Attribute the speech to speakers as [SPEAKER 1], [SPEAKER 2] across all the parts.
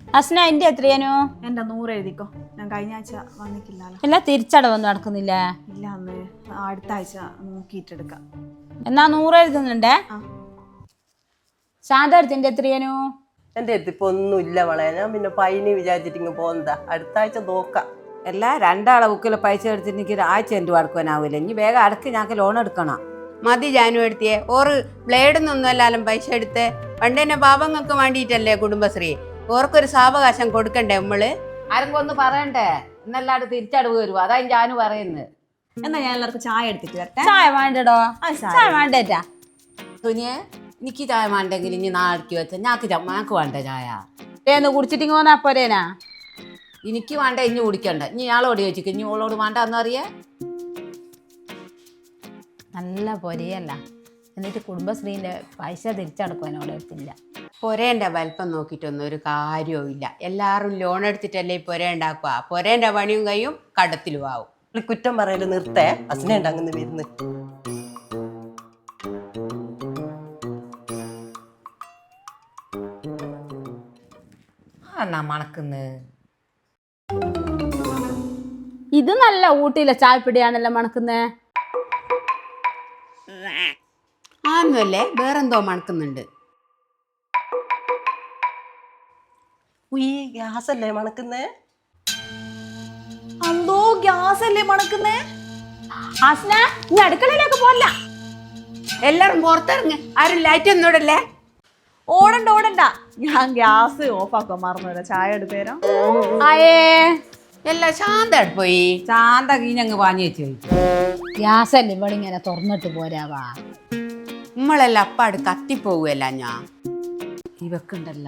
[SPEAKER 1] അസ്ന എന്റെ എത്രയാനോ?
[SPEAKER 2] എന്റെ 100 എഴുതിക്കോ. ഞാൻ കഴിഞ്ഞ ആഴ്ച വന്നിട്ടില്ലല്ലോ.
[SPEAKER 1] എല്ലാം തിരിച്ചടവൊന്നും നടക്കുന്നില്ല.
[SPEAKER 2] ഇല്ല അന്ന് അടുത്ത ആഴ്ച നോക്കിയിട്ടെടുക്കാം.
[SPEAKER 1] എന്നാ 100 എഴുതുന്നുണ്ടേ. ശാന്തത്തിന്റെ എത്രയാനോ?
[SPEAKER 3] എന്റെ അടുത്ത് ഇപ്പൊ ഒന്നും ഇല്ല വളയാ. ഞാൻ പിന്നെ പൈനി വിചാരിച്ചിട്ട് പോകുന്നതാ. അടുത്ത ആഴ്ച നോക്കാം.
[SPEAKER 4] എല്ലാ രണ്ടാളെ ബുക്കിൽ പൈസ എടുത്തിട്ട് എനിക്ക് ഒരാഴ്ച എൻ്റെ അടക്കാനാവില്ല. ഇനി വേഗം അടക്ക്, ഞങ്ങൾക്ക് ലോൺ എടുക്കണം.
[SPEAKER 5] മതി ജാനു എടുത്തിയേ. ഓറ് ബ്ലേഡൊന്നും അല്ലാലും പൈസ എടുത്ത് പണ്ടെന്നെ പാപങ്ങൾക്ക് വേണ്ടിയിട്ടല്ലേ കുടുംബശ്രീ. ഓർക്കൊരു സാവകാശം കൊടുക്കണ്ടേ നമ്മള്?
[SPEAKER 4] ആരെങ്കിലും ഒന്ന് പറയണ്ടേ? എന്നല്ലാണ്ട് തിരിച്ചടവ് വരുമോ? അതാ ഞാനും പറയുന്നത്.
[SPEAKER 2] എന്നാ ഞാൻ എല്ലാവർക്കും ചായ എടുത്തിട്ട് വരട്ടെ.
[SPEAKER 1] ചായ വേണ്ടടോ. ചായ വേണ്ടേറ്റാ.
[SPEAKER 4] തുനിയെ എനിക്ക് ചായ വേണ്ടെങ്കിൽ ഇനി നാളേക്ക് വെച്ചാൽ ഞങ്ങൾക്ക് വേണ്ട ചായ.
[SPEAKER 1] ഏന്ന് കുടിച്ചിട്ടിങ്ങ് പോന്നാ പോരേനാ?
[SPEAKER 4] എനിക്ക് വേണ്ട, ഇനി കുടിക്കണ്ട. ഇനി ഞാളോട് ചോദിച്ചിട്ട് ഇനി ഓളോട് വേണ്ട എന്നറിയേ.
[SPEAKER 1] നല്ല പൊരിയല്ല. എന്നിട്ട് കുടുംബശ്രീന്റെ പൈസ തിരിച്ചടക്കുവാനോട് എടുത്തില്ല.
[SPEAKER 5] പൊരേന്റെ വലിപ്പം നോക്കിയിട്ടൊന്നും ഒരു കാര്യവും ഇല്ല. എല്ലാവരും ലോൺ എടുത്തിട്ടല്ലേ ഈ പൊര ഉണ്ടാക്കുക. പൊരേന്റെ പണിയും കഴിയും, കടത്തിലും ആവും.
[SPEAKER 3] കുറ്റം പറയല് നിർത്തേ. അസ്നയുണ്ട് അങ്ങനെ വരുന്ന്.
[SPEAKER 4] എന്നാ മണക്കുന്ന്.
[SPEAKER 1] ഇത് നല്ല ഊട്ടിയിലെ ചായപ്പിടിയാണല്ലോ മണക്കുന്നേ.
[SPEAKER 5] ആന്നല്ലേ, വേറെന്തോ മണക്കുന്നുണ്ട്.
[SPEAKER 3] ഉയ്യ്, ഗ്യാസ് അല്ലേ മണക്കുന്നേ?
[SPEAKER 2] അന്തോ ഗ്യാസ് അല്ലേ മണക്കുന്നേ?
[SPEAKER 1] അസ്ന ഇനി അടുക്കളയിലേക്ക് പോല്ല.
[SPEAKER 5] എല്ലാരും പുറത്തിറങ്ങ്. ആരും ലൈറ്റ് ഒന്നും ഇടല്ലേ?
[SPEAKER 2] ഓടണ്ട. ഞാൻ ഗ്യാസ് ഓഫ് ആക്കാൻ മറന്നു. ചായ എടുത്തേരാ.
[SPEAKER 1] ആയേ
[SPEAKER 5] എല്ലാം ശാന്തമായിട്ട് പോയി.
[SPEAKER 4] ശാന്ത കീഞ്ഞങ്ങ് പാഞ്ഞു വെച്ച് കഴിച്ചു.
[SPEAKER 1] ഗ്യാസല്ലേ ഇവിടെ ഇങ്ങനെ തുറന്നിട്ട് പോരാവാ.
[SPEAKER 5] നമ്മളെല്ലാം അപ്പാട് കത്തിപ്പോവുകയല്ല. ഞാൻ
[SPEAKER 4] ഇവക്കുണ്ടല്ല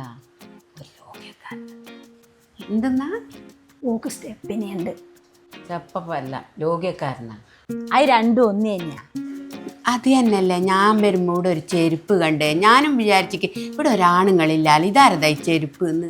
[SPEAKER 5] എന്തെന്നാ
[SPEAKER 1] ഓക്ക് സ്റ്റെപ്പിനുണ്ട്.
[SPEAKER 4] ചെപ്പല്ല, ലോകിയക്കാരനാ.
[SPEAKER 1] അത് രണ്ടും ഒന്ന് തന്നെയാ.
[SPEAKER 5] അത് തന്നെയല്ലേ ഞാൻ വരുമ്പോൾ ഇവിടെ ഒരു ചെരുപ്പ് കണ്ട് ഞാനും വിചാരിച്ചിക്ക് ഇവിടെ ഒരാണുങ്ങളില്ലാൽ ഇതാരതാ ഈ ചെരുപ്പ് എന്ന്.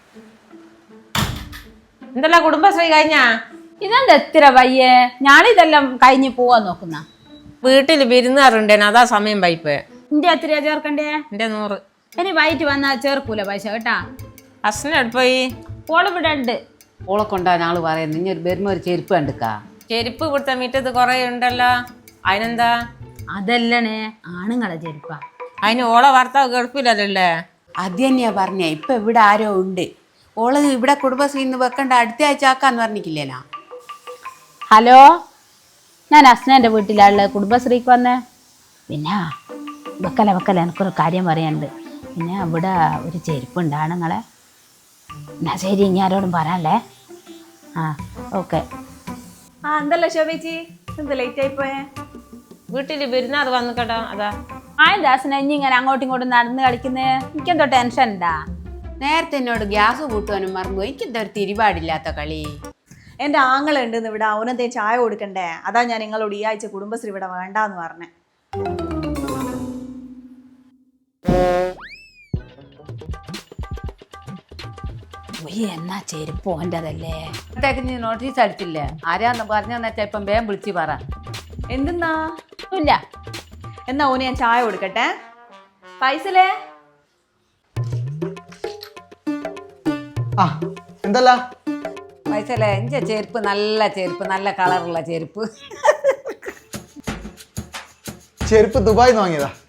[SPEAKER 6] എന്തല്ല കുടുംബശ്രീ കഴിഞ്ഞാ?
[SPEAKER 1] ഇതെന്താ എത്ര വയ്യേ? ഞാനിതെല്ലാം കഴിഞ്ഞ് പോവാൻ നോക്കുന്ന.
[SPEAKER 6] വീട്ടിൽ വിരുന്നാറുണ്ടേന്, അതാ സമയം പൈപ്പ്.
[SPEAKER 1] എന്റെ എത്രയാ ചേർക്കണ്ടേ?
[SPEAKER 6] എന്റെ 100.
[SPEAKER 1] ഇനി വൈകിട്ട് വന്നാൽ ചേർക്കൂല പൈസ കേട്ടാ.
[SPEAKER 6] അസ്ന എടുപ്പോയി.
[SPEAKER 1] ഓളിവിടെ ഉണ്ട്.
[SPEAKER 4] ഓളെ കൊണ്ടാ ഞാള് പറയുന്നത്. ഇനി വരുമ്പോ ഒരു ചെരുപ്പ് കണ്ടുക്കാ.
[SPEAKER 6] ചെരുപ്പ് കൊടുത്ത മിറ്റത്ത് കുറെ ഉണ്ടല്ലോ, അതിനെന്താ?
[SPEAKER 1] അതല്ലണേ, ആണുങ്ങളെ ചെരുപ്പാ.
[SPEAKER 6] അതിന് ഓളെ ഭർത്താവ് ഗൾഫിലല്ലേ?
[SPEAKER 5] അത് തന്നെയാ പറഞ്ഞേ. ഇപ്പൊ ഇവിടെ ആരോ ഉണ്ട്. ഓള് ഇവിടെ കുടുംബശ്രീന്ന് വെക്കണ്ട, അടുത്ത ആഴ്ച ആക്കാന്ന് പറഞ്ഞിട്ടില്ലേനാ?
[SPEAKER 1] ഹലോ, ഞാൻ അസ്നേൻ്റെ വീട്ടിലുള്ള കുടുംബശ്രീക്ക് വന്നേ. പിന്നെ വെക്കല എനിക്കൊരു കാര്യം പറയാനുണ്ട്. പിന്നെ ഇവിടെ ഒരു ചെരുപ്പുണ്ട് ആണുങ്ങളെ. എന്നാ ശരി, ഇനി ആരോടും പറയാനല്ലേ. ആ ഓക്കെ.
[SPEAKER 2] എന്തല്ല ശോഭേച്ചി, എന്ത് ലേറ്റ് ആയി പോയേ?
[SPEAKER 6] വീട്ടിൽ വിരുന്നാർ വന്നു കേട്ടോ, അതാ.
[SPEAKER 1] ആയെന്താ അസ്ന ഇനി ഇങ്ങനെ അങ്ങോട്ടും ഇങ്ങോട്ടും നടന്ന് കളിക്കുന്നേ? എനിക്കെന്തോ ടെൻഷൻ ഉണ്ടാ?
[SPEAKER 5] നേരത്തെ എന്നോട് ഗ്യാസ് കൂട്ടുവാനും മറന്നുപോയി. എനിക്കെന്താ ഒരു തിരിപാടില്ലാത്ത കളി.
[SPEAKER 2] എന്റെ ആങ്ങളുണ്ട് ഇവിടെ, അവനെന്തേ ചായ കൊടുക്കണ്ടേ? അതാ ഞാൻ നിങ്ങളോട് ഈ ആഴ്ച കുടുംബശ്രീ ഇവിടെ വേണ്ടാന്ന് പറഞ്ഞേ.
[SPEAKER 1] എന്നാ ചെരുപ്പ് ഓൻ്റെതല്ലേ?
[SPEAKER 4] നീ നോട്ടീസ് അടിച്ചില്ലേ? ആരാന്ന് പറഞ്ഞെന്ന് വെച്ചാൽ ഇപ്പം വേഗം വിളിച്ച് പറ.
[SPEAKER 2] എന്തെന്നാ?
[SPEAKER 1] ഇല്ല.
[SPEAKER 2] എന്നാ ഓന് ഞാൻ ചായ കൊടുക്കട്ടെ. പൈസലേ?
[SPEAKER 7] എന്തല്ല
[SPEAKER 4] പൈസല്ലേ? എന്റെ ചെരുപ്പ് നല്ല ചെരുപ്പ്, നല്ല കളറുള്ള ചെരുപ്പ്.
[SPEAKER 7] ചെരുപ്പ് ദുബായിൽ നിന്ന് വാങ്ങിയതാ.